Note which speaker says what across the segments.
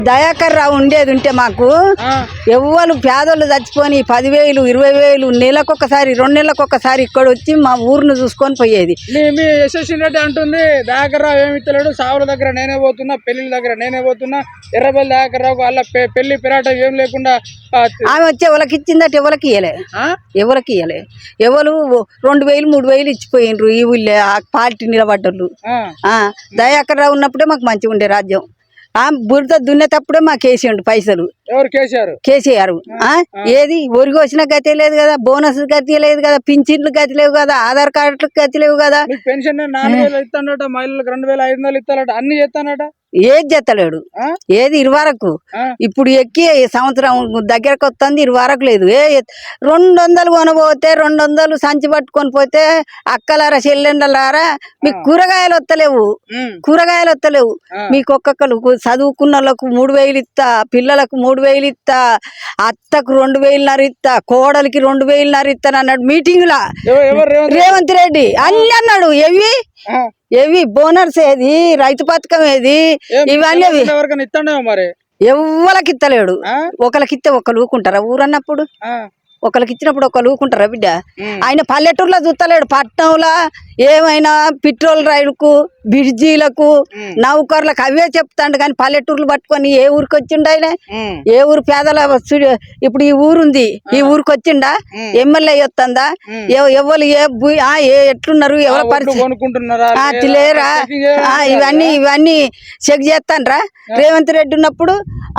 Speaker 1: దయాకర్ రావు ఉండేది ఉంటే మాకు ఎవ్వరు పేదోళ్ళు చచ్చిపోని 10,000 20,000 నెలకొకసారి 2 నెలలకొకసారి ఇక్కడ వచ్చి మా ఊరును చూసుకొని పోయేది.
Speaker 2: మీ యశస్వి రెడ్డి అంటుంది దయాకర్ రావు ఏమి ఇస్తలేడు, సావుల దగ్గర నేనే పోతున్నా, పెళ్లిళ్ళ దగ్గర నేనే పోతున్నా, ఎర్రబెల్లి దయాకర్ రావు వాళ్ళ పెళ్లి పిరాట ఏం లేకుండా
Speaker 1: ఆమె వచ్చి ఎవరికి ఇచ్చిందట, ఎవరికి ఇయ్యలే, ఎవరికి ఇయ్యలే. ఎవరు 2,000 3,000 ఇచ్చిపోయినరు ఈ ఊళ్ళే ఆ పార్టీ నిలబడ్డోళ్ళు. దయాకర్ రావు ఉన్నప్పుడే మాకు మంచిగా ఉండే రాజ్యం. బురద దున్నేటప్పుడే మాకు వేసిండు పైసలు. కేసీఆర్ ఏది ఒరిగి వచ్చిన గతి లేదు కదా, బోనస్ గతి లేదు కదా, పింఛన్లు గతి లేవు కదా, ఆధార్ కార్డులు గతి లేవు కదా,
Speaker 2: పెన్షన్ 4,000 ఇస్తానట, మహిళలకు 2,500 ఇస్తానట, అన్ని చేస్తానట.
Speaker 1: ఏది చెత్తలేడు, ఏది 20 వరకు. ఇప్పుడు ఎక్కి సంవత్సరం దగ్గరకు వస్తుంది 20 వరకు లేదు. 200 కొనబోతే 200 సంచి పట్టుకొని పోతే అక్కలారా చెల్లెండలారా మీకు కూరగాయలు వస్తలేవు, కూరగాయలు వస్తలేవు. మీకు ఒక్కొక్కరు చదువుకున్న వాళ్ళకు 3,000 ఇస్తా, పిల్లలకు 3,000 ఇస్తా, అత్తకు 2,500 ఇస్తా, కోడలికి 2,500 ఇస్తాను అన్నాడు మీటింగ్ లా రేవంత్ రెడ్డి. అన్ని అన్నాడు. ఏవి బోనర్స్ ఏది, రైతు పథకం ఏది, ఇవన్నీ ఎవ్వలకి ఇత్తలేడు. ఒకరికి ఇస్తే ఒకరు ఊకుంటారా ఊరన్నప్పుడు? ఒకరికి ఇచ్చినప్పుడు ఒకరు ఊకుంటారా బిడ్డ? ఆయన పల్లెటూరులో చూస్తలేడు, పట్టణంలో ఏమైనా పెట్రోల్ రైలుకు బ్రిడ్జీలకు నౌకర్లకు అవే చెప్తాడు. కానీ పల్లెటూర్లు పట్టుకొని ఏ ఊరికి వచ్చిండు ఆయన? ఏ ఊరు పేదల ఇప్పుడు ఈ ఊరుంది, ఈ ఊరికి వచ్చిండా? ఎమ్మెల్యే వస్తుందా? ఎవరు ఎట్లున్నారు, ఎవరి పరిస్థితి లేరా? ఇవన్నీ చెక్ చేస్తాన్రా. రేవంత్ రెడ్డి ఉన్నప్పుడు,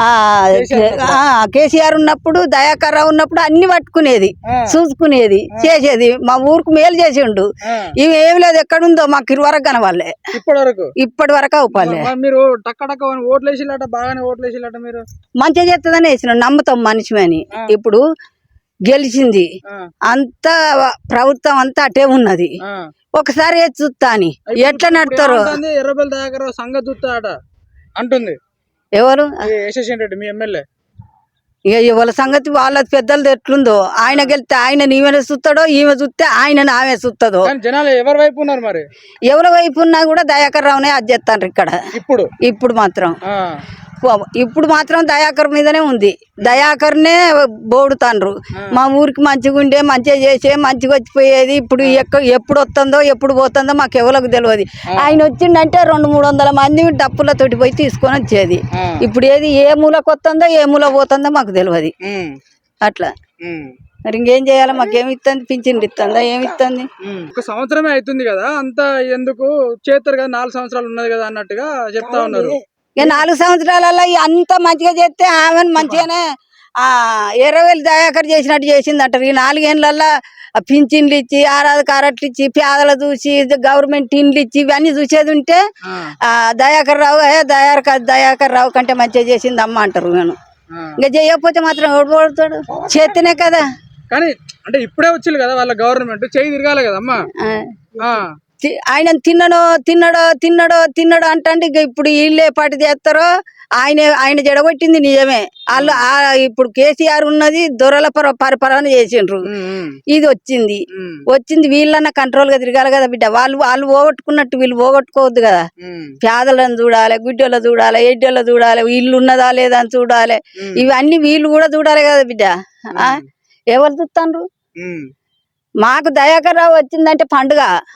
Speaker 1: కేసీఆర్ ఉన్నప్పుడు, దయాకర్ రావు ఉన్నప్పుడు అన్ని పట్టుకునేది, చూసుకునేది, చేసేది. మా ఊరికి మేలు చేసిండు. ఇవి ఏమి లేదు, ఎక్కడుందో మాకు 20 వరకు కనవాలే, ఇప్పటి వరకు అవుపాలే.
Speaker 2: మీరు ఓట్లేసిలట, బాగానే ఓట్లేసిలట. మీరు
Speaker 1: మంచిగా చేస్తుందని వేసినాం, నమ్ముతాం మనిషి అని. ఇప్పుడు గెలిచింది అంతా ప్రభుత్వం అంతా అటే ఉన్నది, ఒకసారి చూస్తా అని ఎట్లా నడుతారు?
Speaker 2: ఎర్రబెల్లి దయాకర్ రావు సంగతి చూస్తాడట అంటుంది.
Speaker 1: ఎవరు?
Speaker 2: యశస్వి రెడ్డి మీ ఎమ్మెల్యే.
Speaker 1: ఇక వాళ్ళ సంగతి వాళ్ళ పెద్దలది ఎట్లుందో. ఆయన గెలిస్తే ఆయన ఈమె చూస్తాడో, ఈమె చూస్తే ఆయన ఆమె చూస్తుందో.
Speaker 2: జనాలు ఎవరి వైపు ఉన్నారు మరి?
Speaker 1: ఎవరి వైపు ఉన్నా కూడా దయాకర్ రావునే అది చేస్తాను ఇక్కడ. ఇప్పుడు మాత్రం దయాకర్ మీదనే ఉంది. దయాకర్నే బోడుతాండ్రు. మా ఊరికి మంచిగా ఉండే, మంచిగా చేసే, మంచిగా వచ్చిపోయేది. ఇప్పుడు ఎప్పుడు వస్తుందో ఎప్పుడు పోతుందో మాకు ఎవరికి తెలియదు. ఆయన వచ్చిండంటే 200-300 మంది డప్పులతోటి పోయి తీసుకొని వచ్చేది. ఇప్పుడు ఏది ఏ మూలకు వస్తుందో ఏ మూల పోతుందో మాకు తెలియదు. అట్లా మరి ఇంకేం చేయాలి? మాకేమి ఇస్తుంది? పింఛన్లు ఇస్తుందా? ఏమి ఇస్తుంది?
Speaker 2: ఒక సంవత్సరమే అవుతుంది కదా, అంతా ఎందుకు చేస్తారు కదా, 4 సంవత్సరాలు ఉన్నది కదా అన్నట్టుగా చెప్తా ఉన్నారు.
Speaker 1: ఇక 4 సంవత్సరాలలో అంత మంచిగా చేస్తే ఆమెను మంచిగానే 20,000 దయాకర్ చేసినట్టు చేసింది అంటారు. ఈ 4 ఏళ్ళల్లో పింఛన్లు ఇచ్చి, ఆరాధ కారట్లు ఇచ్చి, పేదలు చూసి, గవర్నమెంట్ ఇండ్లు ఇచ్చి, ఇవన్నీ చూసేది ఉంటే దయాకర్ రావు కంటే మంచిగా చేసింది అమ్మ అంటారు. నేను ఇంకా చేయకపోతే మాత్రం ఓడిపోతాడు, చేస్తేనే కదా.
Speaker 2: కానీ అంటే ఇప్పుడే వచ్చింది కదా వాళ్ళ గవర్నమెంట్, చేయి తిరగాలి కదమ్మా.
Speaker 1: ఆయన తిన్నడో అంటే ఇక ఇప్పుడు వీళ్ళే పాటి చేస్తారో. ఆయన జడగొట్టింది నిజమే. వాళ్ళు ఇప్పుడు కేసీఆర్ ఉన్నది దొరల పరిపాలన చేసిండ్రు. ఇది వచ్చింది వీళ్ళన్నా కంట్రోల్ గా తిరగాలి కదా బిడ్డ. వాళ్ళు పోగొట్టుకున్నట్టు వీళ్ళు పోగొట్టుకోవద్దు కదా. పేదలను చూడాలి, గుడ్డోళ్ళ చూడాలి, ఎడ్డోళ్ళ చూడాలి, ఇల్లు ఉన్నదా లేదా అని చూడాలి. ఇవన్నీ వీళ్ళు కూడా చూడాలి కదా బిడ్డ. ఎవరు చూస్తాండ్రు? మాకు దయాకర్ రావు వచ్చిందంటే పండుగ.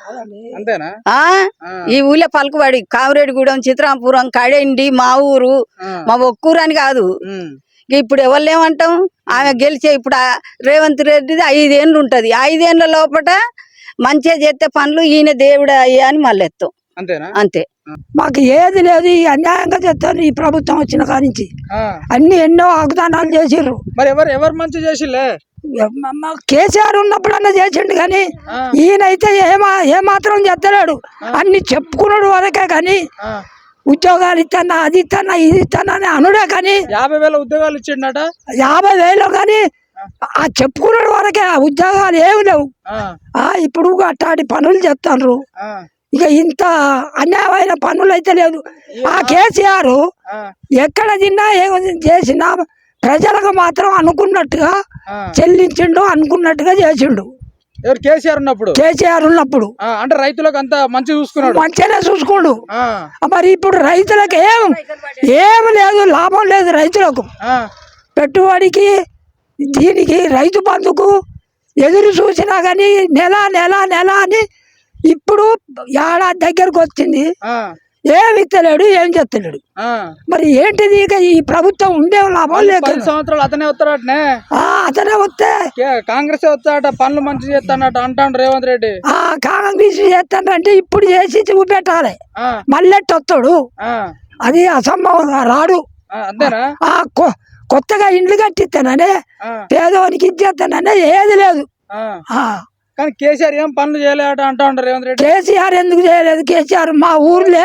Speaker 1: ఈ ఊళ్ళో పలుకుబడి కామిరెడ్డిగూడెం, చిత్రాంపురం, కడెండి మా ఊరు, మా ఒక్కూరు అని కాదు. ఇప్పుడు ఎవరు ఏమంటాం? ఆమె గెలిచే ఇప్పుడు రేవంత్ రెడ్డిది 5 ఏళ్ళు ఉంటది. 5 ఏళ్ళ లోపల మంచిగా చేస్తే పనులు ఈయన దేవుడు అయ్యా అని మళ్ళీ ఎత్తాం. అంతే.
Speaker 3: మాకు ఏది లేదు, ఈ అన్యాయంగా చేస్తారు. ఈ ప్రభుత్వం వచ్చిన కానించి అన్ని ఎన్నో వాగ్దానాలు చేసిర్రు.
Speaker 2: మరి ఎవరు మంచి చేసిలే?
Speaker 3: కేసీఆర్ ఉన్నప్పుడన్నా చేసిండు, కానీ ఈయనైతే ఏమాత్రం చేస్తలేడు. అన్ని చెప్పుకున్నాడు వరకే, కానీ ఉద్యోగాలు ఇస్తానా, అది ఇస్తానా, ఇది ఇస్తానా అని అనుడే. కానీ
Speaker 2: 50,000 ఉద్యోగాలు ఇచ్చిండట.
Speaker 3: 50,000 కానీ ఆ చెప్పుకున్నాడు వరకే, ఆ ఉద్యోగాలు ఏమి లేవు. ఇప్పుడు అట్టాటి పనులు చెప్తాండ్రు. ఇక ఇంత అన్యాయమైన పనులు అయితే లేదు. ఆ కేసీఆర్ ఎక్కడ తిన్నా ఏం చేసినా ప్రజలకు మాత్రం అనుకున్నట్టుగా చెల్లించిండు, అనుకున్నట్టుగా చేసిండు.
Speaker 2: ఎవరు కేసీఆర్ ఉన్నప్పుడు
Speaker 3: కేసీఆర్ ఉన్నప్పుడు
Speaker 2: అంటే రైతులకు అంత మంచి చూసుకున్నాడు.
Speaker 3: మంచిగానే చూసుకోండు.
Speaker 2: ఆ,
Speaker 3: మరి ఇప్పుడు రైతులకు ఏమి లేదు, లాభం లేదు రైతులకు.
Speaker 2: ఆ,
Speaker 3: పెట్టుబడికి దీనికి రైతు బంధుకు ఎదురు చూసినా కానీ నెల నెల నెల అని ఇప్పుడు ఏడాది దగ్గరకు వచ్చింది,
Speaker 2: ఆ,
Speaker 3: ఏమి ఇస్తలేడు, ఏం చేస్తలేడు.
Speaker 2: ఆ.
Speaker 3: మరి ఏంటిది ఇక ఈ ప్రభుత్వం ఉండే లాభం లేక
Speaker 2: 10 సంవత్సరాలు అతనే వస్తాడటనే.
Speaker 3: అతనే వస్తే
Speaker 2: కాంగ్రెస్ వస్తాడట, పనులు మంచి చేస్తాడట అంటాడు రేవంత్ రెడ్డి.
Speaker 3: కాంగ్రెస్ చేస్తాడంటే ఇప్పుడు చేసి చూపెట్టాలి,
Speaker 2: ఆ,
Speaker 3: మళ్ళీ వస్తాడు.
Speaker 2: ఆ,
Speaker 3: అది అసంభవం, రాడు.
Speaker 2: అంతేనా?
Speaker 3: కొత్తగా ఇండ్లు కట్టిస్తాననే,
Speaker 2: ఆ,
Speaker 3: పేదవానికి ఇచ్చేస్తాననే ఏది లేదు.
Speaker 2: ఆ. కానీ కేసీఆర్ ఏం పనులు చేయలేట అంటా ఉంటారు రేవంత్ రెడ్డి.
Speaker 3: కేసీఆర్ ఎందుకు చేయలేదు? కేసీఆర్ మా ఊర్లే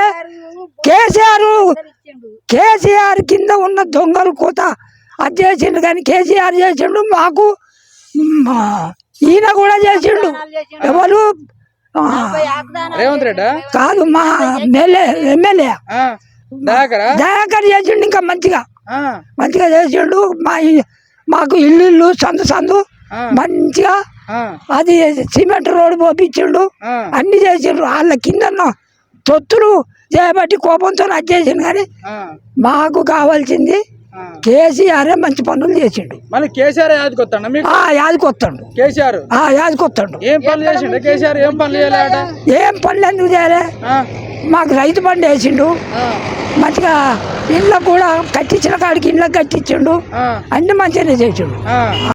Speaker 3: కేసీఆర్ కింద ఉన్న దొంగలు కోత అది చేసిండు, కానీ కేసీఆర్ చేసిండు. మాకు ఈయన కూడా చేసిండు. ఎవరు?
Speaker 2: రేవంత్ రెడ్డి
Speaker 3: కాదు, మా ఎమ్మెల్యే దయాకర్ చేసిండు. ఇంకా మంచిగా చేసిండు. మాకు ఇల్లు సందు మంచిగా అది సిమెంట్ రోడ్డు పోపించిండు, అన్ని చేసిండ్రు. వాళ్ళ కింద తొత్తులు చేయబట్టి కోపంతో అది చేసిండు. కానీ మాకు కావాల్సింది కేసీఆర్ మంచి పనులు చేసిండు.
Speaker 2: మళ్ళీ కేసీఆర్ యాదకొస్తాడు మీకు?
Speaker 3: యాదకొస్తాడు
Speaker 2: కేసీఆర్.
Speaker 3: యాదకొస్తాడు.
Speaker 2: ఏం పనులు చేసిండు కేసీఆర్? ఏం పనులు చేయలేట?
Speaker 3: ఏం పనులు ఎందుకు చేయలే? మాకు రైతు బండి వేసిండు, మంచిగా ఇండ్లకు కూడా కట్టించిన కాడికి ఇండ్లకు కట్టించిండు, అన్ని మంచిగానే చేసిండు.